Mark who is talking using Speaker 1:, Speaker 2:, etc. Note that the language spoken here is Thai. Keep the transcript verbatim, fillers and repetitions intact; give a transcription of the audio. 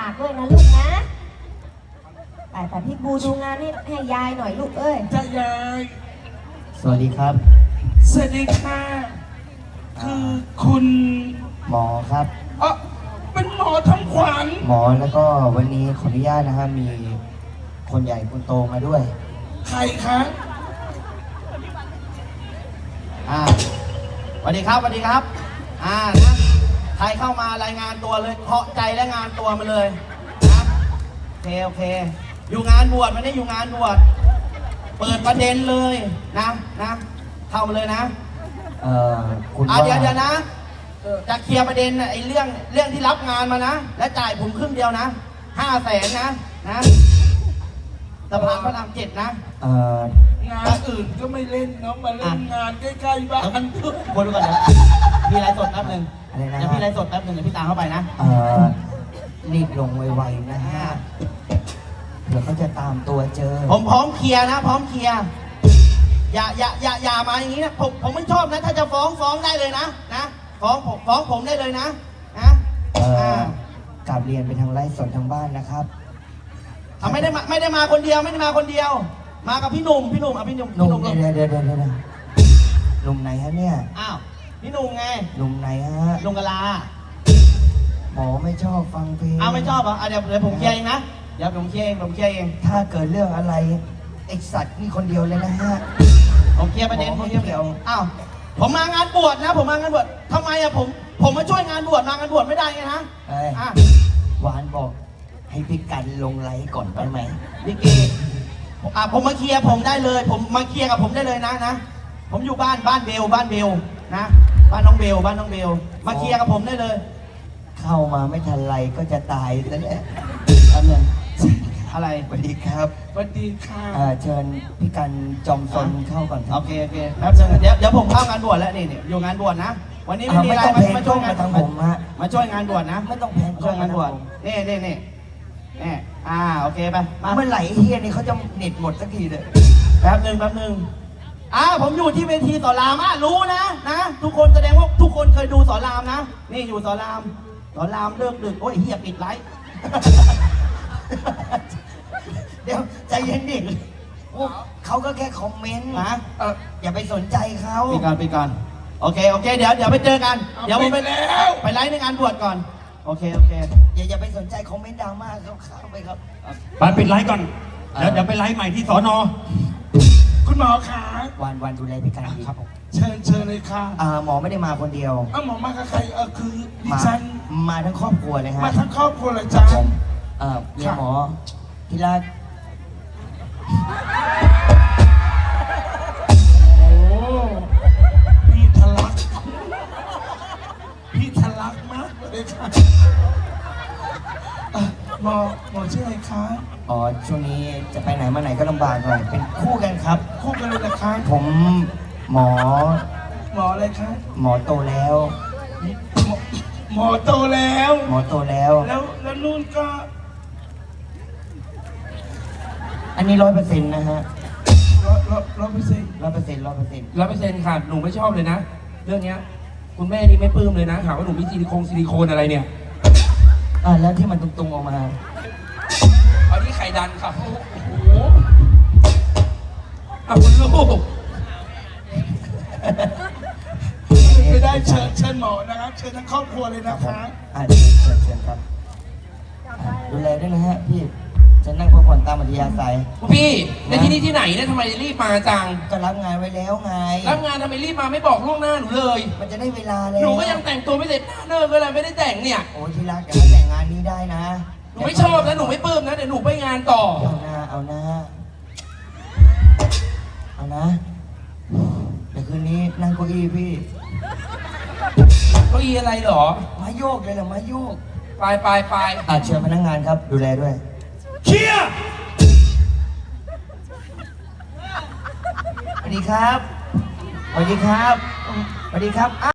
Speaker 1: ากด้วยนะลูกนะแต่แต่พี่บูดูงานนี่ให้ยายหน่อยลูกเอ้ย
Speaker 2: จะยาย
Speaker 3: สวัสดีครับ
Speaker 2: สวัสดีค่ะคือคุณ
Speaker 3: หมอครับ
Speaker 2: อ๋อเป็นหมอทำขวัญ
Speaker 3: หมอแล้วก็วันนี้ขออนุญาตนะครับมีคนใหญ่คนโตมาด้วย
Speaker 2: ใครคะ
Speaker 4: อ่าสวัสดีครับสวัสดีครับอ่านะใครเข้ามารายงานตัวเลยเคาะใจและงานตัวมาเลยนะโอเคโอเคอยู่งานบวชไม่ได้อยู่งานบวชเปิดประเด็นเลยนะนะเข้ามาเลยนะ
Speaker 3: เอ่อคุณ
Speaker 4: ว่าเดี๋ยวเดี๋ยวนะจะเคลียร์ประเด็นไอ้เรื่องเรื่องที่รับงานมานะและจ่ายผมครึ่งเดียวนะห้าแสนนะนะสะพานพระรามเจ็ดนะ
Speaker 3: เอ่
Speaker 2: องานอื่นก็ไม่เล่นเนาะมาเล่นงานใกล้ๆบ้าน
Speaker 4: คนดูก่อนนะพี่ไลฟ์สดแป๊บนึง
Speaker 3: อะไรนะ
Speaker 4: เดี๋ยวพี่ไลฟ์สดแป๊บนึงเดี๋ยวพี่ตามเข้าไปนะ
Speaker 3: เอ่อรีบลงไวๆนะฮะเดี๋ยวเขาจะตามตัวเจอ
Speaker 4: ผมพร้อมเคลียร์นะพร้อมเคลียร์อย่าอย่าอย่าอย่ามาอย่างนี้นะผมผมไม่ชอบนะถ้าจะฟ้องฟ้องได้เลยนะนะฟ้องผมฟ้องผมได้เลยนะนะ
Speaker 3: เอ่อกลับเรียนไปทางไลฟ์สดทางบ้านนะครับ
Speaker 4: อ่าไม่ได้มาไม่ได้มาคนเดียวไม่ได้มาคนเดียว มากับพี่หนุ่มพี่หนุ่มอ่ะพี่หนุ่ม
Speaker 3: หนุ่มเดี๋ยวเดี๋ยวเดี๋ยวเดี๋ยวหนุ่มไหนฮะเนี่ย
Speaker 4: อ้าวพี่หนุ่มไง
Speaker 3: หนุ่มไหนฮะ
Speaker 4: ลุงกะลา
Speaker 3: หมอไม่ชอบฟังเพลง
Speaker 4: อ้าวไม่ชอบเหรออ่ะเดี๋ยวเดี๋ยวผมเคลียร์เองนะเดี๋ยวผมเคลียร์เองผมเคลียร์เอง
Speaker 3: ถ้าเกิดเรื่องอะไรไอสัตว์นี่คนเดียวเลยนะฮะ
Speaker 4: ผมเคลียร์ประเด็นผมเคลียร์เดียวอ้าวผมมางานบวชนะผมมางานบวชทำไมอะผมผมมาช่วยงานบวชมางานบวชไม่ได้ไงนะ
Speaker 3: เอ้ยหวานบอกให้พี่กันลงไลฟ์ก่อนได้ไหม
Speaker 4: พี่เกอ่ะผมมาเคลียร์ผมได้เลย ผมมาเคลียร์กับผมได้เลยนะนะผมอยู่บ้านบ้านเบลบ้านเบลนะบ้านน้องเบลบ้านน้องเบลมาเคลียร์กับผมได้เลย
Speaker 3: เข้ามาไม่ทันไรก็จะตายแล้วแหละอันนั้น
Speaker 4: อะไร
Speaker 3: สวัสดีครับ
Speaker 2: สวัสดีค่ะ
Speaker 3: เชิญพี่กันจอมซนเข้าก่อน
Speaker 4: โอเคโอเคครับเดี๋ยวเดี๋ยวผมเข้างานบวชแล้วนี่นี่อยู่งานบวชนะวันนี้ไม่มีอะไรมาช่วยงาน
Speaker 3: ผม
Speaker 4: มาช่วยงานบวชนะ
Speaker 3: ไม่ต้องแพง
Speaker 4: ช่วยงานบวชนี่นี่นี่นี่อ่าโอเคไป
Speaker 3: เมื่อไหร่เฮียนี่เขาจะเน็ตหมดสักทีเลย
Speaker 4: แป๊บหนึ่งแป๊บหนึ่งอ่าผมอยู่ที่เวทีสอนรามอ่ะรู้นะนะทุกคนแสดงว่าทุกคนเคยดูสอนรามนะนี่อยู่สอนรามสอนรามเลิกดึกโอ้ยเฮียปิดไลฟ์
Speaker 3: เดี๋ยวใจเย็นดิเขาก็แค่คอมเมนต์นะเอออย่าไปสนใจเขา
Speaker 4: ไปก่อนไปก่อนโอเคโอเคเดี๋ยวเดี๋ยวไปเจอกันเดี๋ยวผมไปแล้วไปไลฟ์ในงานบวชก่อนโอเคโอเค
Speaker 3: อย่าอย่าไปสนใจคอมเมนต์ดราม่าเขาเข้าไปครับ
Speaker 5: ไปปิดไลฟ์ก่อนเดี๋ยวเดี๋ยวไปไลฟ์ใหม่ที่สอนอ
Speaker 2: คุณหมอขา
Speaker 3: วันวันดูแลพี่กันดี
Speaker 2: ครับเชิญเชิญเลยค่ะ
Speaker 3: อ่าหมอไม่ได้มาคนเดียว
Speaker 2: อ้าวหมอมากับใครเออคือดิฉัน
Speaker 3: มาทั้งครอบครัวเลยฮะ
Speaker 2: มาทั้งครอบครัวเลยจ้า
Speaker 3: เออเมียหมอที่รัก
Speaker 2: โอ้พี่ทะลักพี่ทะลักมากเลยค่ะหมอหมอชื่ออะไรคะ
Speaker 3: อ๋อช่วงนี้จะไปไหนมาไหนก็ลำบากหน่อยเป็นคู่กันครับ
Speaker 2: คู่กันเลยนะคะ
Speaker 3: ผมหมอ
Speaker 2: หมออะไรคะ
Speaker 3: หมอโตแล้ว
Speaker 2: หมอโตแล้ว
Speaker 3: หมอโตแล้ว
Speaker 2: แล้วแล้วนู่นก็
Speaker 3: อันนี้ร้อยเปอร์เซ็นต์นะฮะ
Speaker 2: ร้อยร้อยร้อยเปอร์เซ็นต์
Speaker 3: ร้อยเปอร์เซ็นต์ร้อยเปอร์เซ็นต์
Speaker 5: ร้อยเปอร์เซ็นต์ค่ะหนูไม่ชอบเลยนะเรื่องเนี้ยคุณแม่นี่ไม่ปลื้มเลยนะหาว่าหนูมีซิลิโคนซิลิโคนอะไรเนี่ย
Speaker 3: อ่าแล้วที่มันตรงๆออกมา
Speaker 5: อันนี้ไข่ดันค่ะโอ้โหอ่ะคุณลูก
Speaker 2: ไม่ได้เชิญเชิญหมอนะครับเชิญทั้งครอบครัวเลยนะคะ
Speaker 3: อ่าเชิญเชิญเชิญครับดูแลด้วยนะฮะพี่จะนั่งพักผ่อนตามอัธยาศัย
Speaker 5: พี่ในที่นี่ที่ไหนเนี่ยทำไมรีบมาจัง
Speaker 3: ก็รับงานไว้แล้วไง
Speaker 5: รับงานทำไมรีบมาไม่บอกล่วงหน้าหนูเลย
Speaker 3: มันจะได้เวลาเลย
Speaker 5: หนูก็ยังแต่งตัวไม่เสร็จเนิร์ก็เลยไม่ได้แต่งเนี่ย
Speaker 3: โอ้ที่รักแต่แต่งงานนี้ได้นะ
Speaker 5: หนูไม่ชอบนะหนูไม่ปลื้มนะเดี๋ยวหนูไปงานต่อ
Speaker 3: เอาหน้าเอาหน้าเอานะเดี๋ยวคืนนี้นั่งเก้าอี้พี่
Speaker 5: เก้าอี้อะไรหรอ
Speaker 3: มาโยกเลยเหรอมาโยก
Speaker 5: ไปไปไป
Speaker 3: อ่าเชิญพนักงานครับดูแลด้วย
Speaker 5: เชียร์
Speaker 3: สวัสดีครับสวัสดีครับสวัสดีครับ